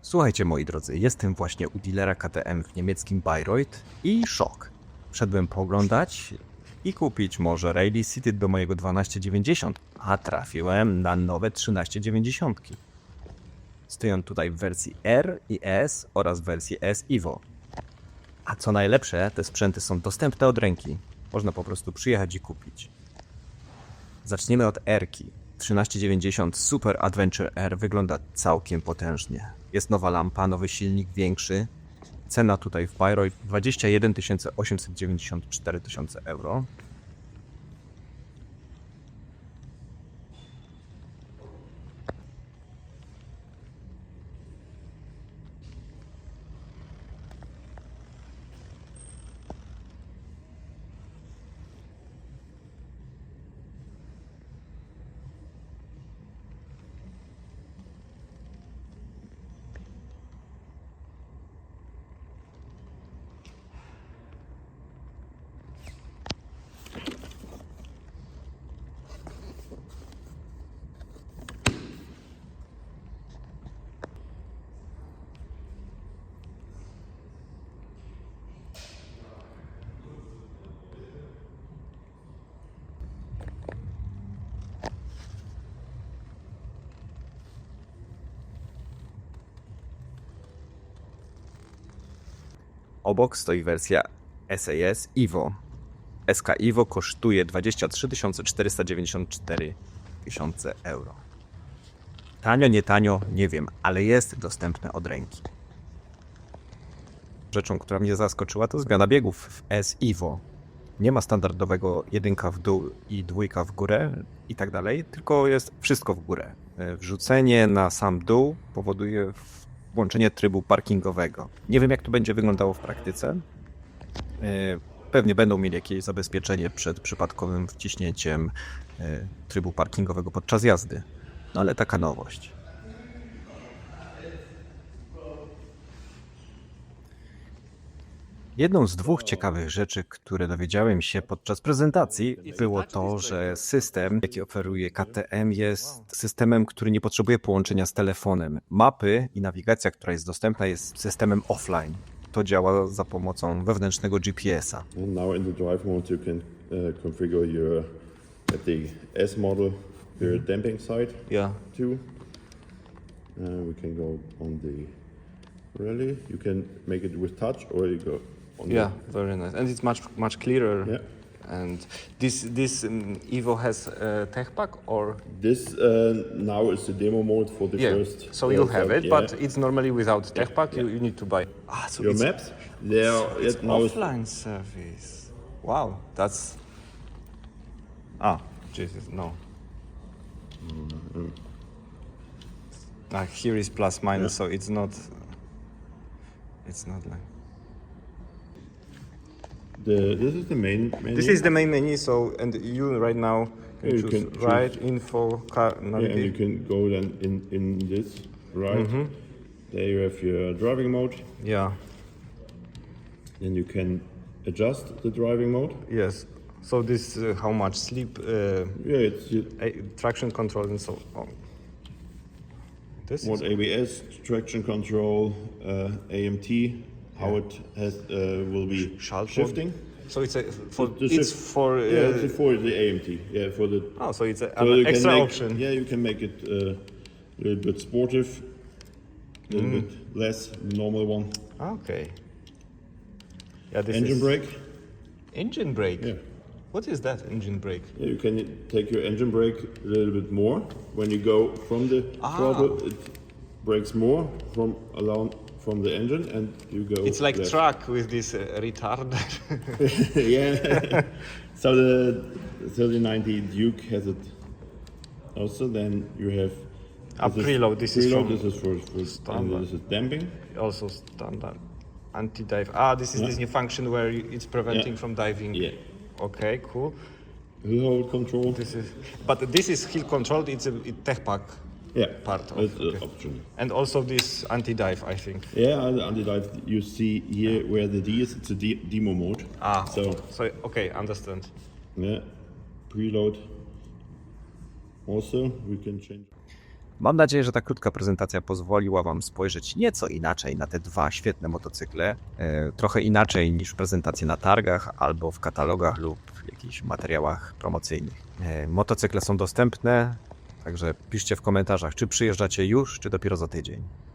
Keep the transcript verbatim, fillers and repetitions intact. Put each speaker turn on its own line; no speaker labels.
Słuchajcie moi drodzy, jestem właśnie u dealera K T M w niemieckim Bayreuth i szok. Wszedłem pooglądać i kupić może Rally City do mojego dwanaście dziewięćdziesiąt, a trafiłem na nowe trzynaście dziewięćdziesiąt. Stoją tutaj w wersji R i S oraz w wersji S Evo. A co najlepsze, te sprzęty są dostępne od ręki. Można po prostu przyjechać i kupić. Zaczniemy od R-ki. trzynaście dziewięćdziesiąt Super Adventure R wygląda całkiem potężnie. Jest nowa lampa, nowy silnik, większy. Cena tutaj w Bayreuth dwadzieścia jeden tysięcy osiemset dziewięćdziesiąt cztery tysiące euro. Obok stoi wersja S A S Evo. S K Evo kosztuje dwadzieścia trzy tysiące czterysta dziewięćdziesiąt cztery tysiące euro. Tanio, nie tanio, nie wiem, ale jest dostępne od ręki. Rzeczą, która mnie zaskoczyła, to zmiana biegów w S Evo. Nie ma standardowego jedynka w dół i dwójka w górę i tak dalej, tylko jest wszystko w górę. Wrzucenie na sam dół powoduje włączenie trybu parkingowego. Nie wiem, jak to będzie wyglądało w praktyce. Pewnie będą mieli jakieś zabezpieczenie przed przypadkowym wciśnięciem trybu parkingowego podczas jazdy. No ale taka nowość. Jedną z dwóch ciekawych rzeczy, które dowiedziałem się podczas prezentacji, było to, że system, jaki oferuje K T M, jest systemem, który nie potrzebuje połączenia z telefonem. Mapy i nawigacja, która jest dostępna, jest systemem offline. To działa za pomocą wewnętrznego G P S a.
And now in the drive mode you can uh, configure your at the S model your damping side
Yeah.
too. Uh, we can go on the rally. You can make it with touch or you go on
Yeah, very nice, and it's much much clearer.
the, yeah.
And this this um, Evo has a tech pack or
This uh, now is the demo mode for the
yeah.
first.
So
uh,
you'll have
side,
it,
yeah.
but it's normally without tech pack. You, you need to buy. Ah, so
Your
it's,
maps, they are
it's
yet now is-
offline service. Wow, that's ah Jesus no. Ah, here is plus minus,
Yeah.
so it's not. It's not like.
the this is the main menu.
This is the main menu. So and you right now can
Yeah, you
choose
can choose.
right info car
Yeah, and you
navigate.
can go then in in this right. There you have your driving mode.
Yeah.
Then you can adjust the driving mode.
Yes. So this uh, how much sleep, uh,
Yeah, it's you-
a- traction control, and so on. This
what
is,
A B S, traction control, uh, A M T, how it has uh, will be
Schaltmod.
shifting.
so it's a for
The
it's
shift-
for uh,
yeah, it's for the A M T. Yeah, for the
oh, so it's a,
so you
an
can
extra
make,
option.
Yeah, you can make it uh, a little bit sportive, a little
Mm.
bit less normal one.
Okay. Yeah, this
Engine
is
brake.
engine brake.
Yeah.
What is that engine brake?
Yeah, you can take your engine brake a little bit more. When you go from the
Ah.
throttle, it brakes more from along from the engine, and you go.
It's like
left.
truck with this uh, retard.
Yeah. So the thirty ninety Duke has it also. Then you have
Ah,
this is
preload, this is
preload.
from
This is for, for
standard.
and this is damping.
Also standard anti-dive. Ah, this is
Yeah.
this new function where you- it's preventing
Yeah.
from diving.
Yeah.
Okay, cool.
Hill hold control.
This is, but this is hill controlled. It's a it tech pack,
Yeah.
part of-
It's uh,
okay.
optional.
and also this anti-dive, I think.
Yeah, and the anti-dive you see here where the D is. It's a de- demo mode.
Ah,
So
so okay, understand.
yeah, preload. Also, we can change.
Mam nadzieję, że ta krótka prezentacja pozwoliła Wam spojrzeć nieco inaczej na te dwa świetne motocykle. E, trochę inaczej niż prezentacje na targach albo w katalogach lub jakichś materiałach promocyjnych. E, motocykle są dostępne, także piszcie w komentarzach, czy przyjeżdżacie już, czy dopiero za tydzień.